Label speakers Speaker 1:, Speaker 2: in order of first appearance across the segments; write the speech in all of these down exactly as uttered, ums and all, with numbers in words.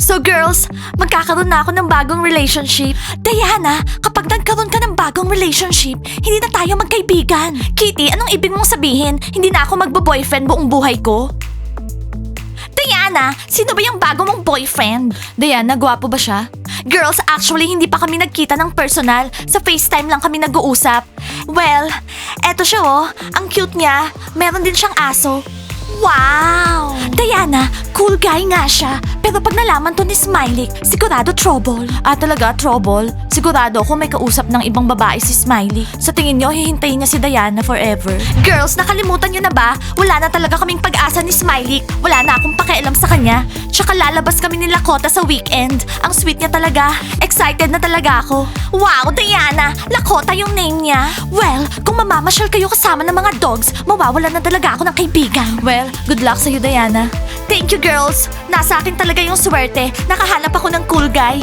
Speaker 1: So girls, magkakaroon na ako ng bagong relationship. Diana, kapag nagkaroon ka ng bagong relationship, hindi na tayo magkaibigan. Kitty, anong ibig mong sabihin? Hindi na ako magbo-boyfriend buong buhay ko? Diana, sino ba yung bago mong boyfriend? Diana, gwapo ba siya? Girls, actually hindi pa kami nagkita ng personal. Sa FaceTime lang kami nag-uusap. Well, eto siya oh. Ang cute niya. Meron din siyang aso. Wow! Diana, cool guy nga siya. Pero pag nalaman to ni Smiley, sigurado trouble. Ah, talaga? Trouble? Sigurado ako may kausap ng ibang babae si Smiley. Sa tingin niyo, hihintayin niya si Diana forever. Girls, nakalimutan niyo na ba? Wala na talaga kaming pag-asa ni Smiley. Wala na akong pakialam sa kanya. Tsaka lalabas kami ni Lakota sa weekend. Ang sweet niya talaga. Excited na talaga ako. Wow, Diana! Lakota yung name niya. Well, kung mamamasyal kayo kasama ng mga dogs, mawawalan na talaga ako ng kaibigan. Well, good luck sa'yo, Diana. Thank you, girls. Nasa akin talaga yung swerte. Nakahanap ako ng cool guy.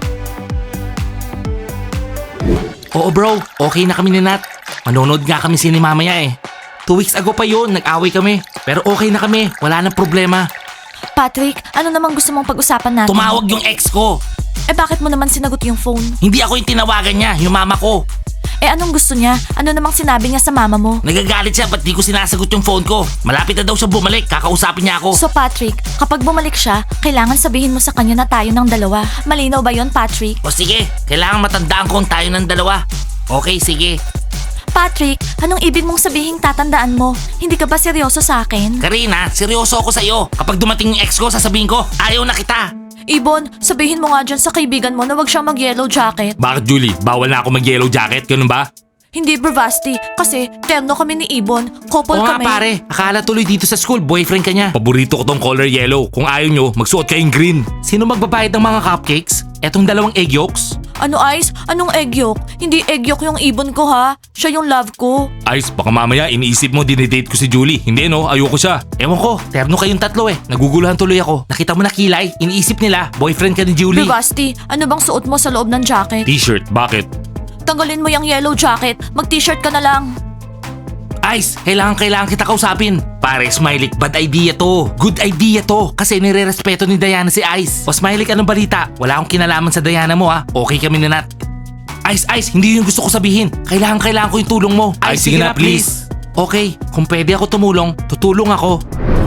Speaker 2: Oo bro, okay na kami ni Nat. Manonood nga kami sini mamaya eh. Two weeks ago pa yun, nag-away kami. Pero okay na kami, wala nang problema.
Speaker 1: Patrick, ano namang gusto mong pag-usapan natin?
Speaker 2: Tumawag yung ex ko.
Speaker 1: Eh bakit mo naman sinagot yung phone?
Speaker 2: Hindi ako yung tinawagan niya, yung mama ko.
Speaker 1: Eh anong gusto niya? Ano namang sinabi niya sa mama mo?
Speaker 2: Nagagalit siya, ba't di ko sinasagot yung phone ko? Malapit na daw siya bumalik, kakausapin niya ako.
Speaker 1: So Patrick, kapag bumalik siya, kailangan sabihin mo sa kanya na tayo ng dalawa. Malinaw ba yon, Patrick?
Speaker 2: O sige, kailangan matandaan kong tayo ng dalawa. Okay, sige.
Speaker 1: Patrick, anong ibig mong sabihin tatandaan mo? Hindi ka ba seryoso sa akin?
Speaker 2: Karina, seryoso ako sa'yo. Kapag dumating yung ex ko, sasabihin ko, ayaw na kita.
Speaker 1: Ibon, sabihin mo nga dyan sa kaibigan mo na wag siyang mag-yellow jacket.
Speaker 2: Bakit Julie? Bawal na ako mag-yellow jacket, ganun ba?
Speaker 1: Hindi, Bravasti. Kasi terno kami ni Ibon. Couple
Speaker 2: Oo nga
Speaker 1: kami.
Speaker 2: pare, akala tuloy dito sa school, boyfriend ka niya. Paborito ko tong color yellow. Kung ayaw nyo, magsuot kayong green. Sino magbabayad ng mga cupcakes? Etong dalawang egg yolks?
Speaker 1: Ano, Ice? Anong egg yolk? Hindi egg yolk yung Ibon ko, ha? Siya yung love ko.
Speaker 2: Ice, baka mamaya iniisip mo dinidate ko si Julie. Hindi no, ayoko siya. Ewan ko, terno kayong tatlo eh. Naguguluhan tuloy ako. Nakita mo na kilay, iniisip nila, boyfriend ka ni Julie.
Speaker 1: Bravasti, ano bang suot mo sa loob ng jacket?
Speaker 2: T-shirt, bakit?
Speaker 1: Tanggalin mo yung yellow jacket. Mag-t-shirt ka na lang.
Speaker 2: Ice, kailangan kailangan kita kausapin. Pare, Smiley, bad idea to. Good idea to. Kasi nire-respeto ni Diana si Ice. O Smiley, anong balita? Wala akong kinalaman sa Diana mo ha. Okay kami ni Nat. Ice, Ice, hindi yung gusto ko sabihin. Kailangan kailangan ko yung tulong mo. Ice, sige na please. Okay, kung pwede ako tumulong, tutulong ako.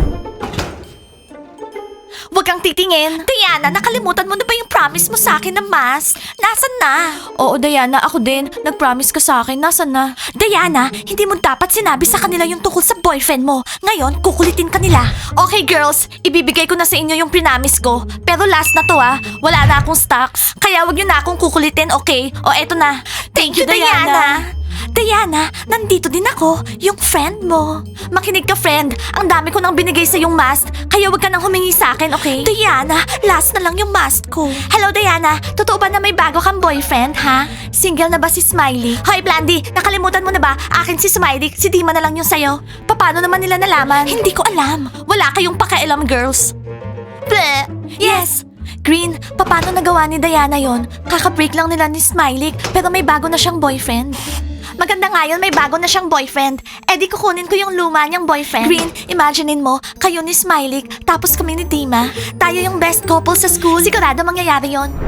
Speaker 1: Huwag kang titingin. Diana, nakalimutan mo na ba yung promise mo sa akin na mask? Nasaan na? Oo, Diana, ako din. Nag-promise ka sa akin. Nasaan na? Diana, hindi mo dapat sinabi sa kanila yung tungkol sa boyfriend mo. Ngayon, kukulitin ka nila. Okay, girls. Ibibigay ko na sa inyo yung prinamis ko. Pero last na to ah. Wala na akong stocks. Kaya wag nyo na akong kukulitin, okay? O eto na. Thank, you, Diana. Diana, nandito din ako, yung friend mo. Makinig ka, friend. Ang dami ko nang binigay sa yung mask, kaya wag ka nang humingi sa akin, okay? Diana, last na lang yung mask ko. Hello, Diana. Totoo ba na may bago kang boyfriend, ha? Single na ba si Smiley? Hoy, Blandy, nakalimutan mo na ba? Akin si Smiley, si Dima na lang yung sayo. Paano naman nila nalaman? Hindi ko alam. Wala kayong pakialam, girls. Bleh. Yes. Green, paano nagawa ni Diana yon? Kaka-break lang nila ni Smiley, pero may bago na siyang boyfriend. Maganda nga yun, may bago na siyang boyfriend. Eh di kukunin ko yung luma niyang boyfriend. Green, imaginein mo, kayo ni Smiley, tapos kami ni Dima. Tayo yung best couple sa school. Sigurado mangyayari yon.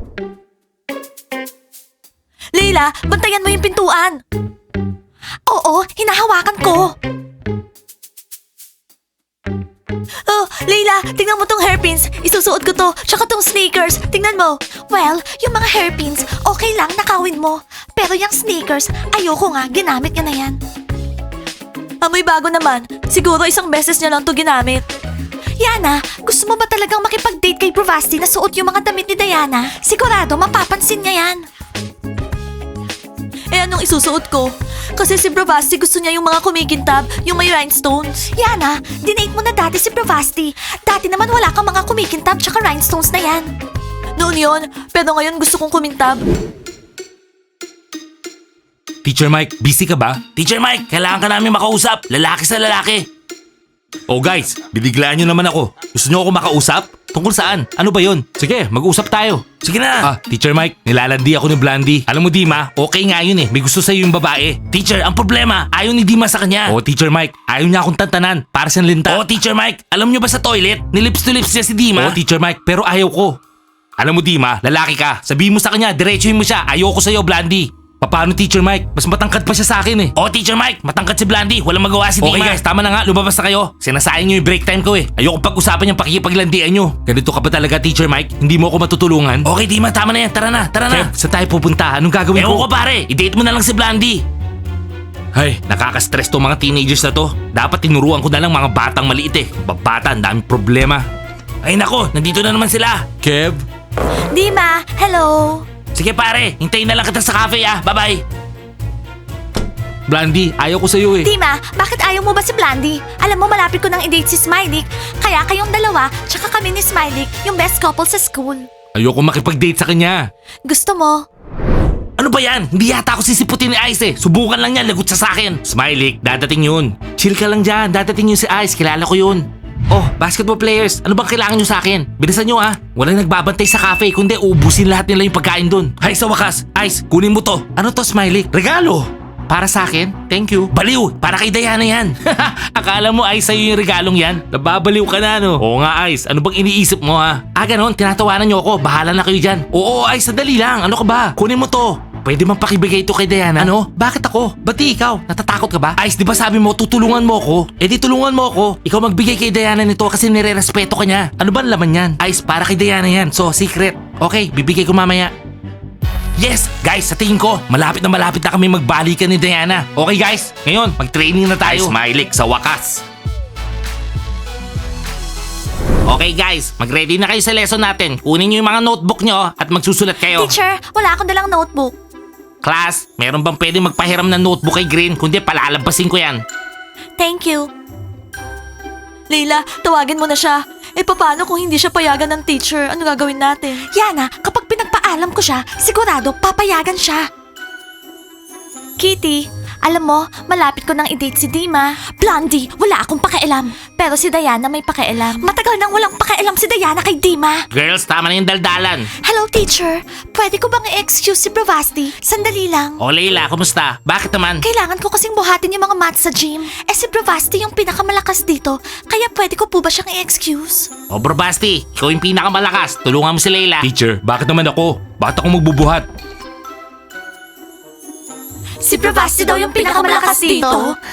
Speaker 1: Leila, bantayan mo yung pintuan. Oo, hinahawakan ko. Oh, Leila, tingnan mo tong hairpins. Isusuot ko to, tsaka tong sneakers. Tingnan mo. Well, yung mga hairpins, okay lang, nakawin mo. Pero yung sneakers, ayoko nga, ginamit niya na yan. Amoy bago naman. Siguro isang beses niya lang to ginamit. Yana, gusto mo ba talagang makipag-date kay Bravasti na suot yung mga damit ni Diana? Sigurado, mapapansin niya yan. Eh anong isusuot ko? Kasi si Bravasti gusto niya yung mga kumikintab, yung may rhinestones. Yana, dinate mo na dati si Bravasti. Dati naman wala kang mga kumikintab tsaka rhinestones na yan. Noon yun, pero ngayon gusto kong kumintab.
Speaker 2: Teacher Mike, busy ka ba? Teacher Mike, kailangan ka namin makausap. Lalaki sa lalaki. Oh guys, biniglaan nyo naman ako. Gusto nyo ako makausap? Tungkol saan? Ano ba yun? Sige, mag-usap tayo. Sige na. Ah, Teacher Mike, nilalandi ako ni Blandy. Alam mo Dima, okay nga yun eh. May gusto sa'yo yung babae. Teacher, ang problema, ayaw ni Dima sa kanya. Oh, Teacher Mike, ayaw niya akong tantanan. Para siyang linta. Oh, Teacher Mike, alam niyo ba sa toilet? Nilips to lips niya si Dima. Oh, Teacher Mike, pero ayaw ko. Alam mo Dima, lalaki ka. Sabihin mo sa kanya, diretsuhin mo siya. Ayoko sa'yo, Blandy. Paano Teacher Mike? Mas matangkad pa siya sa akin eh. Oh, Teacher Mike, matangkad si Blandy. Walang magawa si Dima. Okay guys, tama na nga. Lumabas na kayo. Sinasayang nyo yung break time ko eh. Ayoko pag-usapan yung pakikipaglandian nyo. Ganito ka ba talaga, Teacher Mike? Hindi mo ako matutulungan? Okay, Dima, tama na yan. Tara na, tara na. Kev, saan tayo pupunta? Anong gagawin ko? Ewan ko pare. I-date mo na lang si Blandy. Ay, nakaka-stress tong mga teenagers na to. Dapat tinuruan ko na lang mga batang maliit eh. Babata, ang daming problema. Ay nako, nandito na naman sila. Kev?
Speaker 1: Dima, hello.
Speaker 2: Sige pare, hintayin na lang kita sa cafe ah. Bye-bye. Blandy, ayaw ko sa'yo eh.
Speaker 1: Dima, bakit ayaw mo ba si Blandy? Alam mo, malapit ko nang i-date si Smiley. Kaya kayong dalawa, tsaka kami ni Smiley, yung best couple sa school.
Speaker 2: Ayoko makipag-date sa kanya.
Speaker 1: Gusto mo?
Speaker 2: Ano ba yan? Hindi yata ako sisiputin ni Ice eh. Subukan lang niya, lagot sa sakin. Smiley, dadating yun. Chill ka lang dyan, dadating yun si Ice. Kilala ko yun. Oh, basketball players, ano bang kailangan nyo sa akin? Bilisan nyo ah. Walang nagbabantay sa cafe, kundi uubusin lahat nila yung pagkain dun. Hay sa wakas, Ice, kunin mo to. Ano to, Smiley? Regalo. Para sa akin? Thank you. Baliw, para kay Diana yan. Akala mo Ice sa'yo yung regalong yan? Nababaliw ka na no? Oo nga Ice, ano bang iniisip mo ha? Ah ganon, tinatawanan nyo ako, bahala na kayo dyan. Oo Ice, sadali lang, ano ka ba? Kunin mo to. Pwede mang pakibigay ito kay Diana? Ano? Bakit ako? Ba't di ikaw? Natatakot ka ba? Ice, di ba sabi mo tutulungan mo ako? Eh di tulungan mo ako. Ikaw magbigay kay Diana nito kasi nire-respeto ka niya. Ano ba ang laman yan? Ice, para kay Diana yan. So, secret. Okay, bibigay ko mamaya. Yes! Guys, sa tingin ko, malapit na malapit na kami magbalikan ni Diana. Okay guys, ngayon, mag-training na tayo. Smiley, sa wakas. Okay guys, mag-ready na kayo sa lesson natin. Kunin niyo yung mga notebook nyo at magsusulat kayo.
Speaker 1: Teacher, wala akong dalang notebook.
Speaker 2: Class, meron bang pwede magpahiram ng notebook kay Green? Kundi palalabasin ko yan.
Speaker 1: Thank you. Leila, tawagin mo na siya. Eh paano kung hindi siya payagan ng teacher? Ano gagawin natin? Yana, kapag pinagpaalam ko siya, sigurado papayagan siya. Kitty, alam mo, malapit ko nang i-date si Dima. Blondie, wala akong pakialam. Pero si Diana may pakialam. Matagal nang walang pakialam si Diana kay Dima.
Speaker 2: Girls, tama na yung daldalan.
Speaker 1: Hello, teacher. Pwede ko bang i-excuse si Bravasti? Sandali lang.
Speaker 2: O Leila, kumusta? Bakit naman?
Speaker 1: Kailangan ko kasing buhatin yung mga maths sa gym. Eh si Bravasti yung pinakamalakas dito. Kaya pwede ko po ba siyang i-excuse?
Speaker 2: O Bro Basti, ikaw yung pinakamalakas. Tulungan mo si Leila. Teacher, bakit naman ako? Bakit ako magbubuhat?
Speaker 1: Si Bravasti daw yung pinakamalakas dito.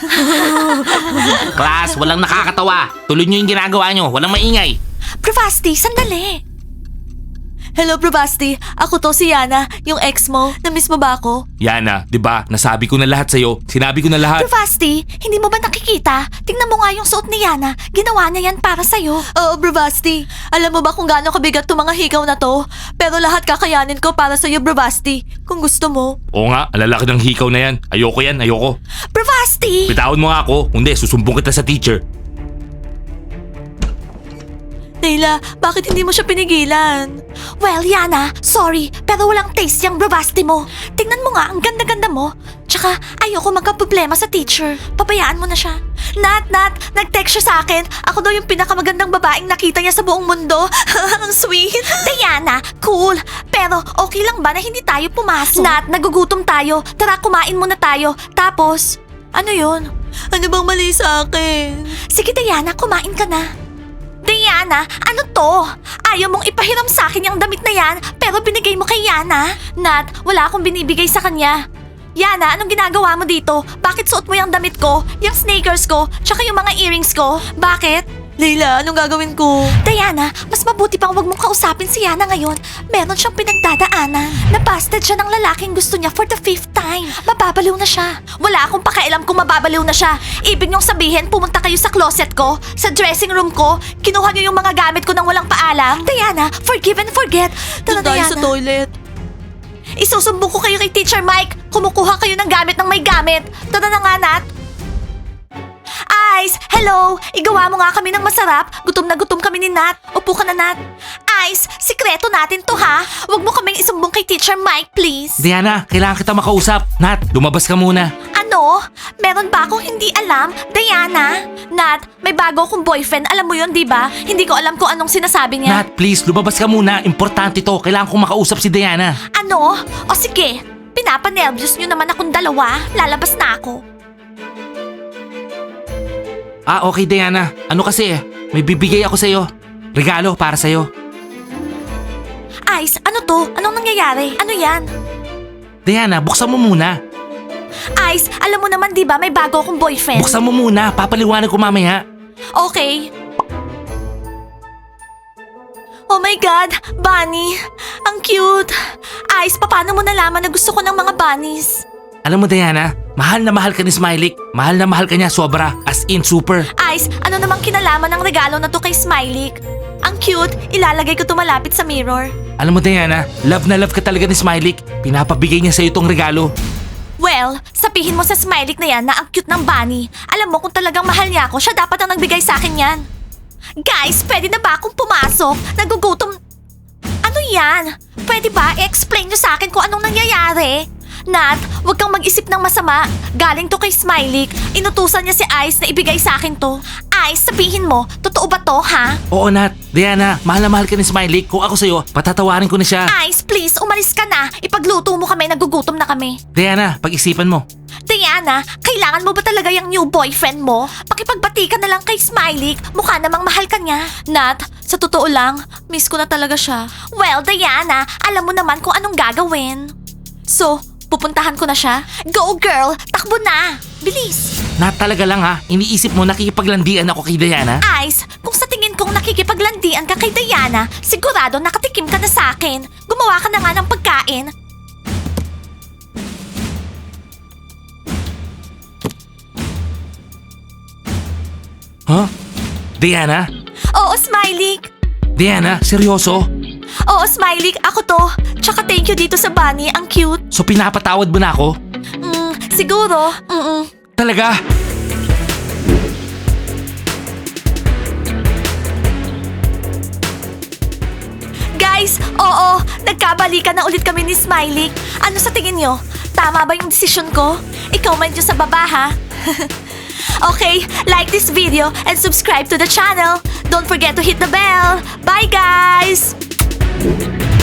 Speaker 2: Class, walang nakakatawa. Tuloy nyo yung ginagawa nyo. Walang maingay.
Speaker 1: Bravasti, sandali. Hello, Bravasti. Ako to si Yana, yung ex mo. Namiss mo ba ako?
Speaker 2: Yana, di ba? Nasabi ko na lahat sa'yo. Sinabi ko na lahat.
Speaker 1: Bravasti, hindi mo ba nakikita? Tingnan mo nga yung suot ni Yana. Ginawa niya yan para sa'yo. Oo, Bravasti. Alam mo ba kung gaano kabigat tong mga hikaw na to? Pero lahat kakayanin ko para sa'yo, Bravasti. Kung gusto mo.
Speaker 2: Oo nga, ang lalaki ng hikaw na yan. Ayoko yan, ayoko.
Speaker 1: Bravasti!
Speaker 2: Bitawan mo nga ako. Kundi, susumbong kita sa teacher.
Speaker 1: Leila, bakit hindi mo siya pinigilan? Well, Yana, sorry, pero walang taste yung Bravasti mo. Tingnan mo nga, ang ganda-ganda mo. Tsaka, ayoko magka-problema sa teacher. Pabayaan mo na siya. Nat, Nat, nag-text siya sa akin. Ako daw yung pinakamagandang babaeng nakita niya sa buong mundo. Ang sweet. Diana, cool. Pero okay lang ba na hindi tayo pumasok? Nat, nagugutom tayo. Tara, kumain muna tayo. Tapos, ano yun? Ano bang mali sa akin? Sige, Diana, kumain ka na. Diana, ano to? Ayaw mong ipahiram sa akin yung damit na yan, pero binigay mo kay Yana? Nat, wala akong binibigay sa kanya. Yana, anong ginagawa mo dito? Bakit suot mo yung damit ko, yung sneakers ko, tsaka yung mga earrings ko? Bakit? Leila, anong gagawin ko? Diana, mas mabuti pang wag mong kausapin si Yana ngayon. Meron siyang pinagdadaanan. Nabasted siya ng lalaking gusto niya for the fifth time. Mababaliw na siya. Wala akong pakialam kung mababaliw na siya. Ibig niyong sabihin, pumunta kayo sa closet ko, sa dressing room ko, kinuha niyo yung mga gamit ko nang walang paalam. Diana, forgive and forget. Tara, Diana. Sa toilet. Isusumbong ko kayo kay Teacher Mike. Kumukuha kayo ng gamit ng may gamit. Tara na nga, Nat. Ice, hello! Igawa mo nga kami ng masarap. Gutom na gutom kami ni Nat. Upo ka na, Nat. Ice, sikreto natin to ha. Huwag mo kaming isumbong kay Teacher Mike, please.
Speaker 2: Diana, kailangan kita makausap. Nat, lumabas ka muna.
Speaker 1: Ano? Meron ba akong hindi alam? Diana? Nat, may bago akong boyfriend. Alam mo yun, di ba? Hindi ko alam kung anong sinasabi niya.
Speaker 2: Nat, please, lumabas ka muna. Importante to. Kailangan kong makausap si Diana.
Speaker 1: Ano? O sige, pinapanervyos nyo naman akong dalawa. Lalabas na ako.
Speaker 2: Ah, okay Diana. Ano kasi eh, may bibigay ako sa'yo. Regalo para sa'yo.
Speaker 1: Ice, ano to? Anong nangyayari? Ano yan?
Speaker 2: Diana, buksan mo muna.
Speaker 1: Ice, alam mo naman di ba may bago akong boyfriend?
Speaker 2: Buksan mo muna. Papaliwanag ko mamaya.
Speaker 1: Okay. Oh my God, Bunny. Ang cute. Ice, paano mo nalaman na gusto ko ng mga bunnies?
Speaker 2: Alam mo Diana, mahal na mahal ka ni Smiley. Mahal na mahal ka niya sobra. As in super.
Speaker 1: Ice, ano namang kinalaman ng regalo na to kay Smiley? Ang cute, ilalagay ko to malapit sa mirror.
Speaker 2: Alam mo Diana, love na love ka talaga ni Smiley. Pinapabigay niya sa'yo itong regalo.
Speaker 1: Well, sabihin mo sa Smiley na yan na ang cute ng bunny. Alam mo kung talagang mahal niya ako, siya dapat ang nagbigay sa akin yan. Guys, pwede na ba akong pumasok? Nagugutom... Ano yan? Pwede ba i-explain niyo sa akin kung anong nangyayari? Nat, huwag kang mag-isip ng masama. Galing to kay Smiley. Inutusan niya si Ice na ibigay sa akin to. Ice, sabihin mo, totoo ba to, ha?
Speaker 2: Oo Nat, Diana, mahal na mahal ka ni Smiley. Kung ako sa'yo, patatawarin ko na siya.
Speaker 1: Ice, please, umalis ka na. Ipagluto mo kami, nagugutom na kami.
Speaker 2: Diana, pag-isipan mo.
Speaker 1: Diana, kailangan mo ba talaga yung new boyfriend mo? Pakipagbati ka na lang kay Smiley. Mukha namang mahal ka niya. Nat, sa totoo lang, miss ko na talaga siya. Well, Diana, alam mo naman kung anong gagawin. So, pupuntahan ko na siya? Go girl, takbo na! Bilis!
Speaker 2: Nat, talaga lang ha, iniisip mo nakikipaglandian ako kay Diana?
Speaker 1: Ice, kung sa tingin kong nakikipaglandian ka kay Diana, sigurado nakatikim ka na sa akin. Gumawa ka na nga ng pagkain.
Speaker 2: Huh? Diana?
Speaker 1: Oo, Smiley.
Speaker 2: Diana, seryoso?
Speaker 1: Oo, Smiley, ako to. Tsaka thank you dito sa bunny, ang cute.
Speaker 2: So pinapatawad mo na ako?
Speaker 1: Mm, siguro. Mm-mm.
Speaker 2: Talaga?
Speaker 1: Guys, oo, nagkabalikan na ulit kami ni Smiley. Ano sa tingin nyo? Tama ba yung decision ko? I-comment nyo sa baba, ha? Okay, like this video and subscribe to the channel. Don't forget to hit the bell. Bye, guys!